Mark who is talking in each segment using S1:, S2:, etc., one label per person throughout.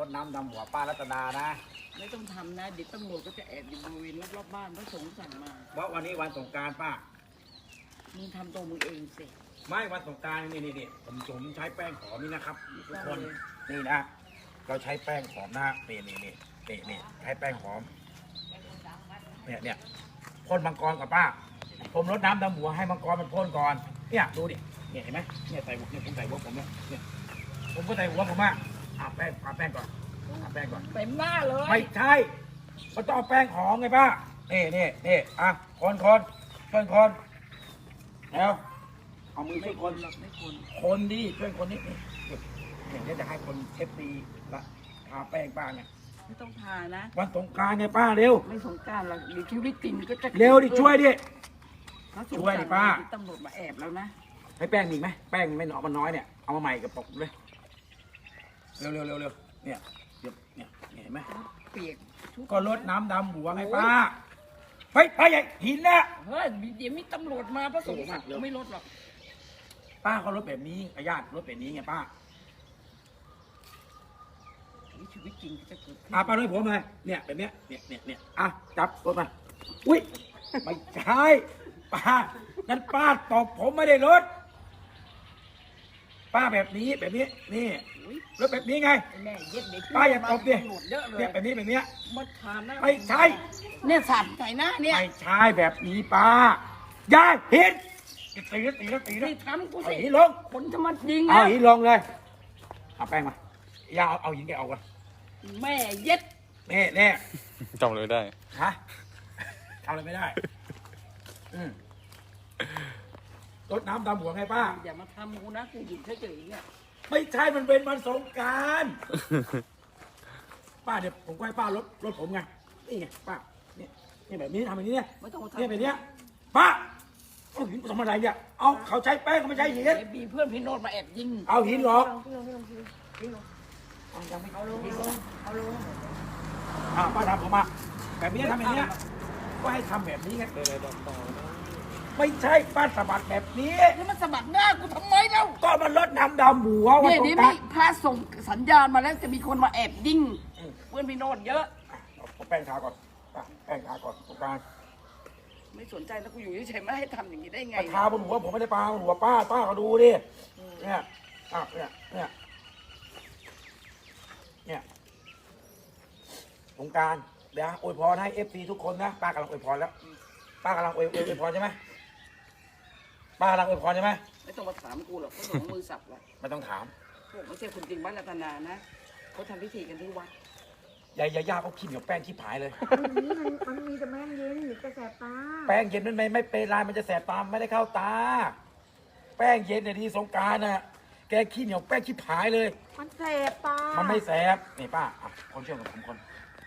S1: ดน้ำดำหัวป้ารัตนานะ
S2: ไม่ต้องทำนะเดี๋ยวตำรวจก็จะแอบอยู่บริเวณรอบๆบ้านพระสงฆ์สั่งมา
S1: เพราะวันนี้วันสงกรานต์ป้า
S2: มึงทำตัวมึงเองสิ
S1: ไม่วันสงกรานต์นี่ผมใช้แป้งหอมนี่นะครับทุกคนนี่นะเราใช้แป้งหอมนะนี่ใช้แป้งหอมเนี่ยพ่นมังกรกับป้าผมรดน้ำดำหัวให้มังกรมันพ่นก่อนเนี่ยดูดิเนี่ยเห็นไหมเนี่ยใส่หัวเนี่ยผมใส่หัวผมเนี่ยผมก็ใส่หัวผมแป้งก่อนแป้งก่อน
S2: เต็มหน้าเลย
S1: ไม่ใช่มันต้องเอาแป้งหอมไงป้านี่คนแล้วเอามือช่วยคนดิช่วยคนนี้เนี่ยจะให้คนเอฟซีละทาแป้งป้าเนี่ย
S2: ไม่ต้องทานะ
S1: วันสงกรานต์ไงป้าเร็ว
S2: ไม่สงกรานต์หรอกเดี๋ยวชีวิตจริงก็จะ
S1: เร็วดิช่วยดิ
S2: ช่วยดิป้าตำรวจมาแอบแล้วนะ
S1: ให้แป้งอีกไหมแป้งไม่หนอมันน้อยเนี่ยเอามาใหม่กับปกเลยเร็วเนี่ยเห็นไหม
S2: เปียก
S1: ก็ลดน้ำดำหัวไงป้าเฮ้ยป้าใหญ่หินนะ
S2: เฮ้ยเดี๋ยวมีตำรวจมาพระสงฆ์ไม่ลดหรอก
S1: ป้าเขาลดแบบนี้ญาติลดแบบนี้ไงป้า
S2: ชีวิตจริงจะเกิดขึ้น
S1: ป้าด้วยผมเลยเนี่ยแบบเนี้ยเนี่ยจับรถมาอุ้ยไม่ใช่ป้านั่นป้าตบผมไม่ได้ลดป้าแบบนี้นี่รถแบบนี้ไงป้าอย่าตบดิเนี่ยแบบนี้
S2: มาทานนะ
S1: ไม่ใช่
S2: เนี่ยสัตว์ใส่หน้าเนี่ย
S1: ไม่ใช่แบบนี้ป้าอย่าเห็นตี
S2: นี่ทำกูสิ
S1: หินลง
S2: คนจะมายิง
S1: เอาหินลงเลยเอาแป้งมาอย่าเอาหินแกเอาก่อน
S2: แม่เย็ด
S1: นี่
S3: จำเลยได้
S1: ฮะทำอะไรไม่ได้รดน้ำดำหัวไงป้า
S2: อย่ามาทำกูนะกูหยุดเฉยๆเนี่ย
S1: ไม่ใช่มันเป็นวันสงกรานต์ป้าเดี๋ยวผมก็ให้ป้ารถผมไงนี่ไงป้านี่แบบนี้ทำแบบนี้เนี่ย
S2: ไม่ต้องทำ
S1: เนี่ยแบบนี้ป้าเอาหินทำอะไรเนี่ยเอาเขาใช้แป้งเขาไม่ใช้หิน
S2: มีเพื่อนพี่โนดมาแอบยิง
S1: เอาหินหรอก
S2: ยังไม่เอาลง
S1: ป้าทำผมมาแบบนี้ทำแบบนี้ก็ให้ทำแบบนี้ไงไม่ใช่ป้าสะบัดแบบนี้
S2: นี่มันสะบัดหน้ากูทำไมเล่า
S1: ก็มันลดน้ำดำหัว
S2: วันสงกรานต์พระส่งสัญญาณมาแล้วจะมีคนมาแอบยิงเพื่อนพี่โนดเยอะ
S1: เอาแป้งทาก่อนแป้งทาก่อนสงกรานต์
S2: ไม่สนใจแล้วกูอยู่เฉยๆไม่ให้ทำอย่างนี้ได้ไง
S1: ทาบนหัวผมไม่ได้ปาบนหัวป้าก็ดูดิเนี่ยสงกรานต์เดี๋ยวอวยพรให้FCทุกคนนะป้ากำลังอวยพรแล้วป้ากำลังอวยพรใช่ไหมป้ากำลังอวยพรใช่ไหม
S2: ไม่ต้องมาถามกูหรอกเขาส่งมือสับเลย
S1: ไม่ต้องถาม
S2: พวกไม่ใช่คนจริงบ้านรัตนานะเขาทำพิธีกันที่วัด
S1: ย่าเขาขี้เหนียวแป้งขี้ผายเลย
S4: มันมีแต่แป้งเย็นหรือจะแสบตา
S1: แป้งเย็นมันไม่เป็นไรมันจะแสบตาไม่ได้เข้าตาแป้งเย็นเนี่ยที่สงกรานต์น่ะแกขี้เหนียวแป้งขี้ผายเลย
S4: มันแสบตา
S1: มันไม่แสบนี่ป้าคนเชื่อกับผมคน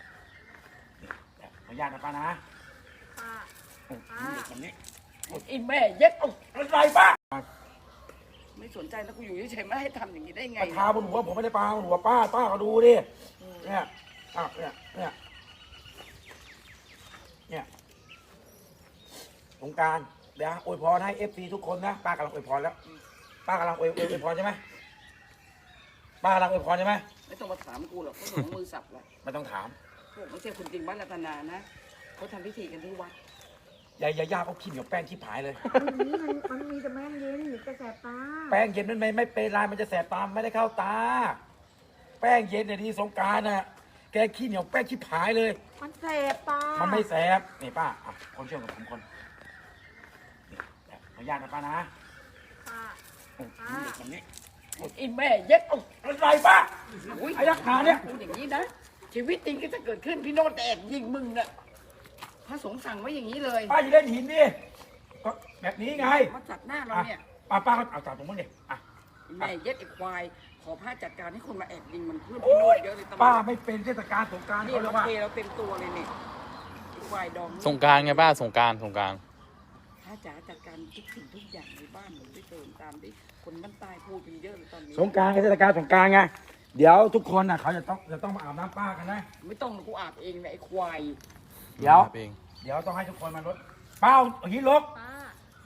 S1: ขออนุญาตนะป้านะ
S2: แบบนี้ไอ้แม่เย็ดเอา
S1: อะไรป้า
S2: ไม่สนใจแล้วกูอยู่เฉยๆไม่ให้ทำอย่างนี้ได้ไง
S1: ทาบนหัวผมไม่ได้ปาบนหัวป้าก็ดูดิเนี่ยสงกรานต์เดี๋ยวอวยพรให้FCทุกคนนะป้ากำลังอวยพรแล้วป้ากำลังอวยพรใช่ไหมป้ากำลังอวยพรใช่ไหม
S2: ไม่ต้องมาถามกูหรอกเขาส่งมือสับเลย
S1: ไม่ต้องถาม
S2: พวกไม่ใช่คนจริงบ้านรัตนานะเขาทำพิธีกันที่วัด
S1: ย่าเขาขี้เหนียวแป้งขี้ผายเลย
S4: มันมีแต่แป้งเย็นหรือจะแสบตา
S1: แป้งเย็นมันไม่เป็นไรมันจะแสบตาไม่ได้เข้าตาแป้งเย็นเนี่ยที่สงกรานต์น่ะแกขี้เหนียวแป้งขี้ผายเลย
S4: มันแสบตา
S1: มันไม่แสบนี่ป้าคนเชื่อกับผมคนขออนุญาตนะป้านะ
S2: แบบนี้ไอ้แม่เย็ดเอา
S1: อะไรป้าไอ้ยักษ์หาเนี่ย
S2: พูดอย่างนี้นะชีวิตจริงก็จะเกิดขึ้นพี่โนดแอบยิงมึงน่ะพระสงฆ์สั่งไว้อย่างนี้เลย
S1: ป้าอย่าเล่นหินดิก็แบบนี้ไง
S2: มาจัดหน้าเราเนี่ย
S1: ป้าก็เอาจับผมมั้งดิ
S2: แม่เย็ดไอ้ควายขอพระจัดการให้คนมาแอบยิงมันเพื่อนพี่โนดเยอะเลย
S1: ป้าไม่เป็นเทศกาลสงกรานต์
S2: นี่เราเทเราเต็มตัวเลยเนี่ยไอ้ควายดอง
S3: สงกรานต์ไงป้าสงกรานต์
S2: พระจ๋าจัดการทุกสิ่งทุกอย่างในบ้านหนูได้เติมตามที่คนบ้านใต้พูดกันเยอะเลยตอนนี้
S1: สงกรานต์เทศกาลสงกรานต์ไงเดี๋ยวทุกคนน่ะเขาจะต้องมาอาบน้ำป้ากันนะ
S2: ไม่ต้องกูอาบเองนะไอ้ควาย
S1: เดี๋ยวต้องให้ทุกคนมาลดเป้าหินลก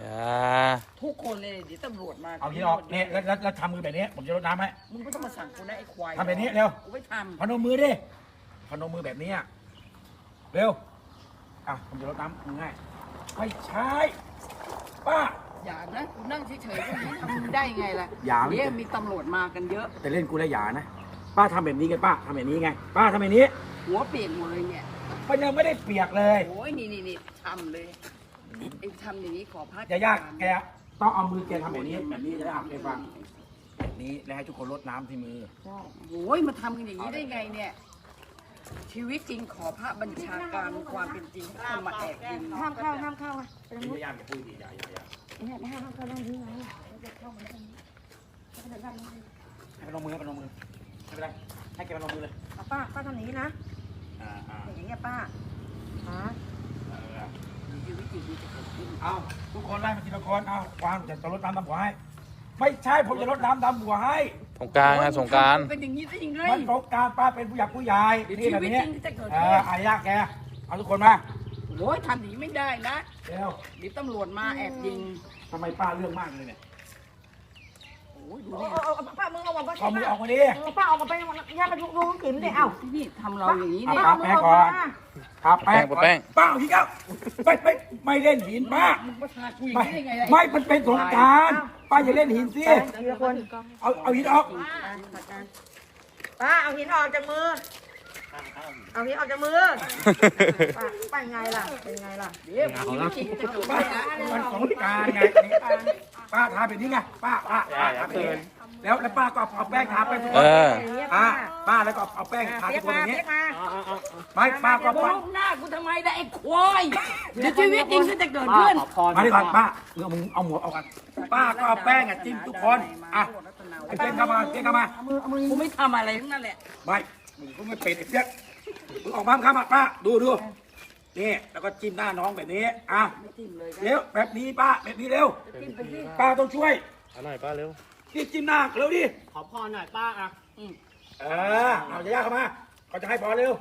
S3: อย่า
S2: ทุกคนเลยเดี๋ยวตำรวจมา
S1: เอาหินออกเนี่ยแล้วทำมือแบบนี้ ผมจะรดน้ำให้
S2: มึงไม่ต้องมาสั่งกูนะไอ้ควาย
S1: ทำแบบนี้เร็ว
S2: กูไม่ท
S1: พนมมือดิพนมมือแบบนี้อะเร็วอ่ะผมจะรดน้ำง่ายไม่ใช่ป้า
S2: ำอย่านะกูนั่งเฉยๆก็ไม่ทำได้ไงล่ะ
S1: อย่า
S2: เดี๋ยวมีตำรวจมากันเยอะ
S1: แต่เล่นกูแล้วอย่านะป้าทำแบบนี้กันป้าทำแบบนี้ไง ป้าทำแบบนี้
S2: หัวเปลี่ยนหมดเลยเนี่ย
S1: มันยังไม่ได้เปียกเลย
S2: โอ้ยนี่ทำเลยไอ้ทำอย่างนี้ขอพัก
S1: อย่ายากแกต้องเอามือแกทำแบบนี้แบบนี้จะได้อ่านแกฟังแบบนี้แล้วให้ทุกคนรดน้ำที่มือ
S2: โอ้ยมาทำกันอย่างนี้ได้ไงเนี่ย ชีวิตจริงขอพระบัญชาการความเป็นจริงเข้ามาแอบยิง
S4: ห้ามเข้าอ่ะเป็น
S1: ไม่ยากอย่าพูดดิอย่า
S4: เนี่ยห้ามเข้านั่งที่ไหนจะเข้ามาตรงนี้
S1: ให้พนมมือให้พนมมือไม่เป็นไรให้แกพนมมือเลย
S4: ป้าทำอย่างนี้นะ
S1: อ่า
S4: อย่างนี้ป้าฮะ
S2: ชีวิตจริงมันจะเกิดขึ้น
S1: เอาทุกคนไล่มาทีละคนเอาวางจะรดน้ำดำหัวให้ไม่ใช่ผมจะรดน้ำดำหัวให้
S3: สงกรารไงสงกราร
S2: เป็นอย่างนี้ได้ยังไง
S1: มันสงกรารป้าเป็นผู้ใหญ่ผู้ใหญ่
S2: เดี๋ยว
S1: นี่แบบนี้
S2: ชีวิตจริงจะเกิดขึ้น
S1: อายากแกเอาทุกคนมา
S2: โอ้ยทำอย่างนี้ไม่ได้นะ
S1: เร็ว
S2: เดี๋ยวตำรวจมาแอบยิง
S1: ทำไมป้าเรื่องมากเลยเนี่ย
S2: โอ้ยดู
S4: เอา
S2: นี่
S4: ป้ามึงเอามาป้า
S1: เอามือออกมาดิ
S4: ป้าเอามาไปย่าไปดูกิ่มเลยเอ้า
S2: นี่ทำเราอย่างนี้
S1: เอา
S2: เนี่ย
S1: ทาแป้งก่อนทาแป้งก่อนป้าเอาหินเอาไม่เล่นหินป้า
S2: มึงมาทากูอย่าง
S1: ไม่
S2: นี้ได้ไงล่ะ
S1: ไม่มันเป็นสงกรารป้าอย่าเล่นหินสิ
S4: ทีละคน
S1: เอาหินออก
S4: ป้าเอาหินออกจากมือ เอาหินออกจากมือป้าไงล่ะเป็นไงล่ะ
S2: เดี๋ยวชีวิตจริงจะเกิด
S1: ป้า
S2: ขึ้นนะ
S1: มันสงกรารไงป้าทาแบบนี้ไงป้าทาแบบนี้แล้วป้าก็เอาแป้งทาไปทุกค
S3: เอน อ
S1: ป้าแล้วก็เอาแป้งทา
S4: เรี
S1: ทุ
S4: ย
S1: ก
S4: ก
S1: คนอ
S4: มา
S1: ย่างนี้
S4: เรียกมา
S1: ไม่ป้าก็
S2: ม
S1: ป้า
S2: องหน้ากูทำไมได้ไอ้ควายเดี๋ยวชีวิตจริงก็จะเกิดขึ้น
S1: มาดีกว่าป้ามึงเอาหมวกเอากันป้าก็เอาแป้งจิ้มทุกคนอ่ะไอ้เป้งเข้ามาเป้งเข้ามา
S2: กูไม่ทำอะไรทั้งนั้นแหละ
S1: ไม่มึงก็ไม่เป็นไอ้เปี้ยกมึงออกมาเข้ามาป้าดูนี่แล้วก็จิ้มหน้าน้องแบบนี้อ่ะ
S2: จิ้มเลย
S1: เร็วแบบนี้ป้าแบบนี้เร็ว
S2: จิ้มไปที่
S1: ป้าต้องช่วย
S3: เอาหน่อยป้าเร็ว
S1: นี่จิ้มหน้าเร็วดิ
S5: ขอพรหน่อยป้าอ่ะ
S1: เอาจะยากเข้ามาเขาจะให้พอเร็ว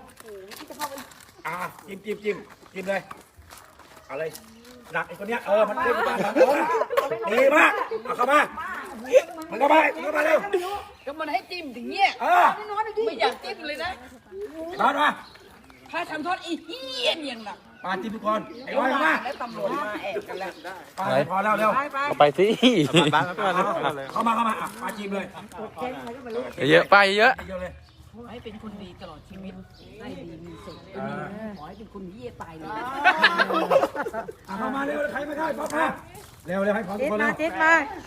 S1: จิ้มเลยเอาเลยหนักไอ้คนเนี้ยมันเล่นบ้านทำดีมากเอาเข้ามามันเข้ามาเร็ว
S2: ก็มันให้จิ้มถึงเงี้ยไม่อยากจิ้มเลยนะ
S1: นอนมา
S2: ถ้าทำโทษอีเหี้ยอย่างหนัก
S1: มาจิ้มทุกคนไอ้ร้อยเข้ามา
S2: แล้วตำรวจมาแอบกันแล้ว
S1: พอแล้วเร็ว
S3: เอาไปสิ
S1: เข้ามามาจิ้มเลย
S3: เยอะๆป้าเยอะ
S1: เยอะเลย
S2: ขอให้เป็นคนดีตลอดชีวิตได้ดีมีสุขขอให้เป็นคนเหี้ยตายเลย
S1: เข้ามาเร็วใครไม่ได้พอมาเร็วให้พอทุ
S4: ติ
S1: ก
S4: ด
S1: คน
S4: มา
S1: เร็ว
S4: ติดมา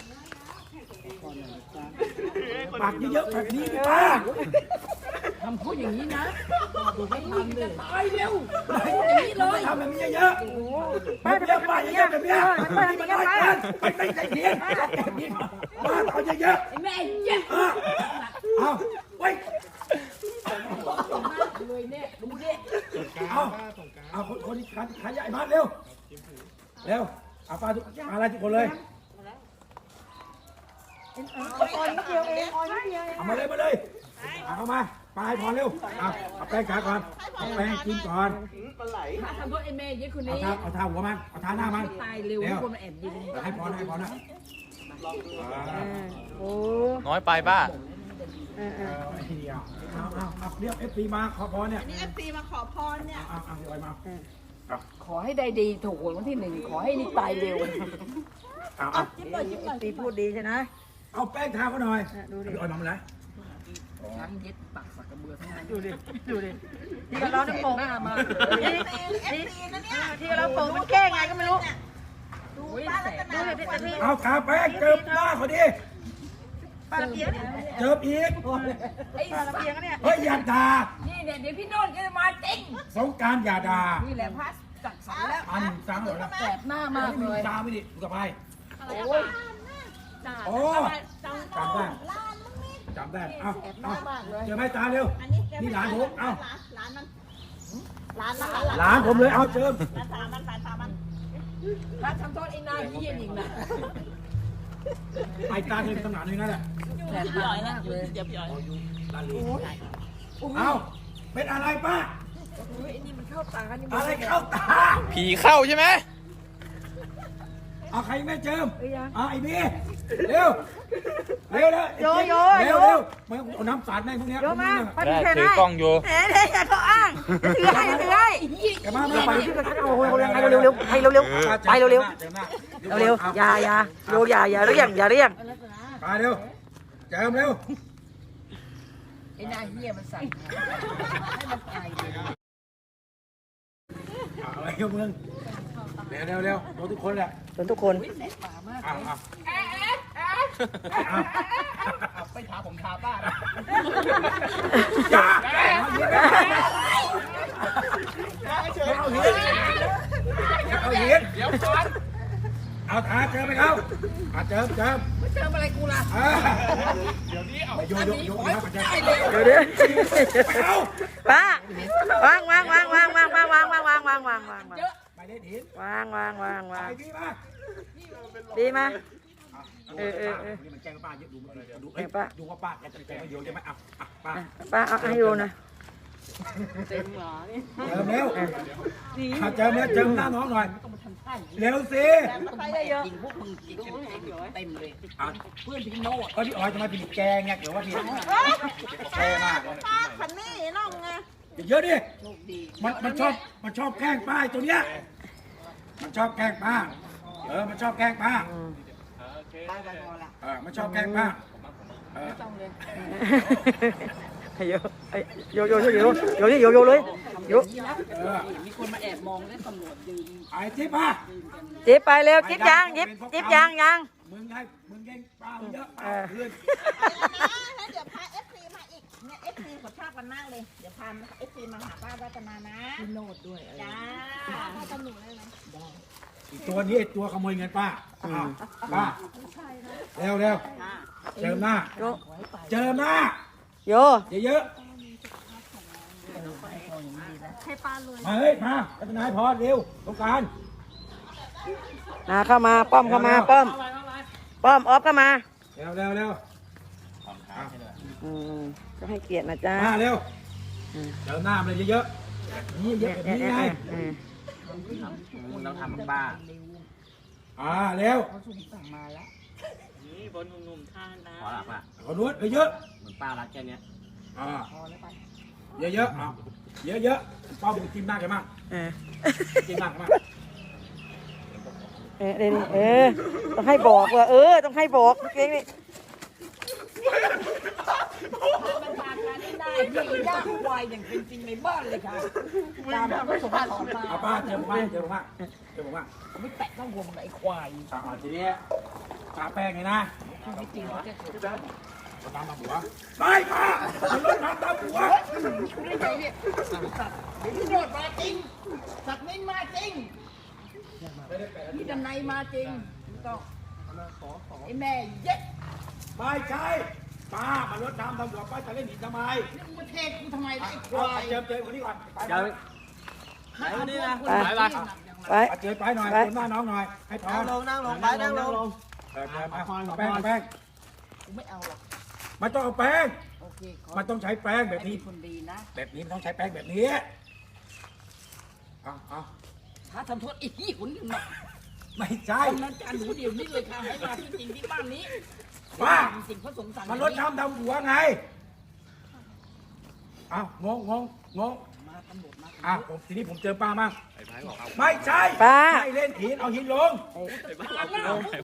S1: ปากเยอะๆแบบนี้ป้า
S2: ทำพูดอย่างนี้นะดูไม่ทำเลยตายเร็วอย่างนี้เลย
S1: ทำแบบนี้เยอะๆแบบเยอะป้าเยอะๆแบบนี้นี่มันน้อยเกินไม่ใจเย็นแบบนี้ป้าเอาเยอะ
S2: ไอ้แม่เหี้ย
S1: ๆเอาไว้
S2: เลยเนี่ยดูดิ
S1: เอาคนที่ขายใหญ่มาเร็วเอาป้าทุกอะไรทุกคนเลย
S4: อ่อนนิดเดียวเองอ่อนนิดเดียวเอง
S1: เอามาเลยเอาเข้ามาปลายพอเร็วเอาแป้งขาก่อนเอาแป้งกินก่อน
S2: ถ้าทำโทษไอ้แม่เหี้ยคน
S1: เอา
S2: นี้
S1: เท้าหัวมันเอาเท้าหน้ามัน
S2: ตายเร็วคนมาแอบยิง
S1: ให้พอนะ
S4: โอ้
S3: ๆน้อยไปป้า
S1: เอาเรียกFPมาขอพรเนี่ยนี่ FP มาขอพรเนี่ยเอาไปมา
S2: ขอให้ได้ดีถูกหวยวันที่ 1ขอให้นี่ตายเร็ว
S1: เอา
S4: ตีพูดดีใช่ไหม
S1: เอาแป้งทาเขาหน่อย
S4: ดูดิ
S1: เอาน้ำเลย
S2: ช้างเย็ดปากสักกระเบือทั้งนั้น
S4: ดูดิที่เราต้องโป่ง
S2: หน้ามา
S4: ที่เราโป่งมันแก้ไงก็ไม่รู้
S2: โอ้ยแสบ
S4: ดูดิพี่
S1: เอาทาแป้งเจิบหน้าเขาดิ
S4: ป้าละเอียดเนี่ย
S1: เจิบอีก
S2: ไอ้
S4: ป้าละเอียดเนี่ย
S1: เฮ้ยอย่าด่า
S2: นี่เนี่ยเดี๋ยวพี่โนนก็จะมาจริง
S1: สงการอย่าด่า
S2: นี่แหละพัสจักสรรแล้ว
S1: อันซ้ำหมดแล้ว
S2: แสบหน้ามากเลย
S1: ตาไม่ดิดูกับไป
S2: โอ้ย
S1: โอ้จำได้เอาเจอไหมตาเร็วนี่หลานผมเอาหลานผมเลยเอาเจิม
S2: ถ้าทำโทษไอ้นายเยี่ยนอีกนะ
S1: ไอ้ตาเลยขนาดนี้นั่นแหละ
S2: แสบตามากเลย
S1: เอาเป็นอะไรป้า
S2: ไอ้นี่มันเข้าตานี่
S1: อะไรเข้าตา
S3: ผีเข้าใช่ไหม
S1: เอาใครไม่เจิม
S4: เอ้ยยัง
S1: เอาไอ้บีเร็วเร็วเร็ว
S4: โยโย
S1: เร็
S4: โย
S1: วเร็วมาเอาน้ำสาดแม่งพวกเนี้ย
S4: โยมาไป
S3: ได้
S4: แทน
S3: ถือ
S4: ให้
S3: กล้องอยู่
S4: แหมอย่าเขาอ้างถือให้ถือให้
S1: แกมา
S4: ไป
S1: ไป
S4: ที่กระทะโอ้โหให้เร็วๆให้เร็วๆไปเร็ว
S1: เร็ว
S4: ๆเร็วๆอย่าโยอย่าเรียงอย่าเรียง
S1: ไปเร็วเจิมเร็ว
S2: ไอ้นายเหี้ยมันสั่งให้มันตายเลย
S1: อะไรกับมึงเร็วเร็วเร็วโดนทุกคนแหละ
S4: จนทุกคน
S1: อ้าวอ้าว
S2: ไปถามผมถามบ้าน
S1: อย่าเอาหินเดี๋ยวก่อนเอาขาเจิมไปเขาเจิม
S2: เจออะไรกูล่ะ
S1: เดี๋ยวนี้เอาโยนะเจิม
S4: เดี๋ยว
S1: เอา
S4: ป้าวาง
S1: ไปเล่นหิน
S4: วาง
S1: ไปพี่มา
S4: ดีมา
S1: นี่มันแกล้งป้าเยอะดูดูว่าป้าแกจะแกล้งมาเยอะใช่ไหมป้า
S4: ป้าเอาให้ดูนะ
S2: เต็มหรอนี่
S1: เจิมเร็วเจิมเจิมหน้าน้องหน่อยเร็วสิ
S2: ยิงพวกมึงยิงเต็มเลยเพื่อนพี่โน้ต
S1: ก็พี่อ๋อยจะมาผิดแกงไงเดี๋ยวว่าพี่แกมาก
S4: คันนี้น้องไง
S1: เยอะดิ
S2: โชคดี
S1: มันชอบแกล้งป้าตัวเนี้ยมันชอบแกล้งป้ามันชอบแกล้งป้า
S2: ได้กันพอละ
S1: มันชอบแกล้งป้า
S2: ไม่ต้องเลย
S4: โยเลยโย
S2: มีคนมาแอบมองแล้วตำรวจยืน
S1: ไอ้จิ๊บป้า
S4: จิ๊บไปเร็วจิ๊บยางจิ๊บยาง
S1: มึงแกล้งป้าเยอะป้าเพื่อน
S5: นะเดี๋ยวพาเอฟซีมาอีกเนี่ยเอฟซีเขาชอบกันมากเลย เดี๋ยวพาเอฟซีมาหาป้ารัตนานะ
S2: พี่โน้ตด้วย
S5: จ้าให้ตำหนูได้ไหม
S1: ตัวนี้ตัวขโมยเงินป้าป้าเร็วเจิมหน้าเจิมหน้า
S4: โย
S1: เยอะ
S5: ให้ป้าเลย
S1: มาเฮ้ยมาพัฒนายพอเร็วต้องการ
S4: นาเข้ามาป้อมเข้ามาป้อมออฟเข้ามา
S1: เร็ว
S4: ก็ให้เกียรตินะจ๊ะ
S1: มาเร็วเจิมหน้ามันเยอะนี่เยอะแบบนี้ไง
S3: เราทำบ้า
S1: เร็ว
S2: เขาส่งสั่งมาแล้วนี่บนหนุ่มๆท่านนะ
S3: ขอหลับอ่ะ
S1: ขอนวดเยอะ
S3: เหมือนป้ารักแค่เนี้ย
S2: พอแล้วไป
S1: เยอะป้าบุกจิ้มหน้าแกมากจิ้มหน้าแกมาก
S4: ต้องให้บอกว่าต้องให้บอกเก่งนี่
S2: มันพาการได้ที่ย่างควายอย่างเป็นจริงในบ้านเลยค่ะตามก็ส่งมาของมา
S1: เอาป้าเจิมมาก
S2: ไม่แตะต้องวงไอ้ควาย
S1: ทีนี้ทาแป้งไงนะ
S2: ชีวิตจริงเขาจะถูก
S1: น้ำตาหัวไม่ป้ามันลดน้ำตาหัว
S2: คุณได้ไงเนี่ยสัตว์เดี๋ยวพี่โนดมาจริงสัตว์นิ่มาจริงพี่ดันในมาจริงต้องไอ้แม่เย็ด
S1: ไม่ใช่ป้ามันลดน้ำตาหัวป้าจะเล่นหินทำไม
S2: นี่มึงมาเทศกูทำไมล่ะไอ้ค
S1: เอา
S2: วาย
S1: เจิมคนนี้ก่อน
S3: เดี๋ยว
S2: ถ้าเอานี่นะ
S4: ไป
S1: เจิมไปหน่อยคนหน้าน้องหน่อยให้พอ
S3: นั่งลงแป้ง
S2: กูไม่เอาหรอก
S1: มันต้องเอาแป้ง
S2: โอเคขอ
S1: มันต้องใช้แป้งแบบ
S2: ให้
S1: นี้
S2: คนดีนะ
S1: แบบนี้ต้องใช้แป้งแบบนี้เอา
S2: ถ้าทำโทษอีกหุ่นหนึ่งหน่อย
S1: ไม่ใช่
S2: กำนันการหนูเดี๋ยวนี้เลยค่ะให้มาที่จริงที่บ้านนี้
S1: ป้า
S2: สิ่งพระสงฆ์สั่ง
S1: มันลดน้ำดำหัวไงอ้าวงง
S2: มาตำรวจมา
S1: ผมทีนี้ผมเจอป้ามั่งไม่ใช่
S4: ป้า
S1: ไม่เล่นหินเอาหินลง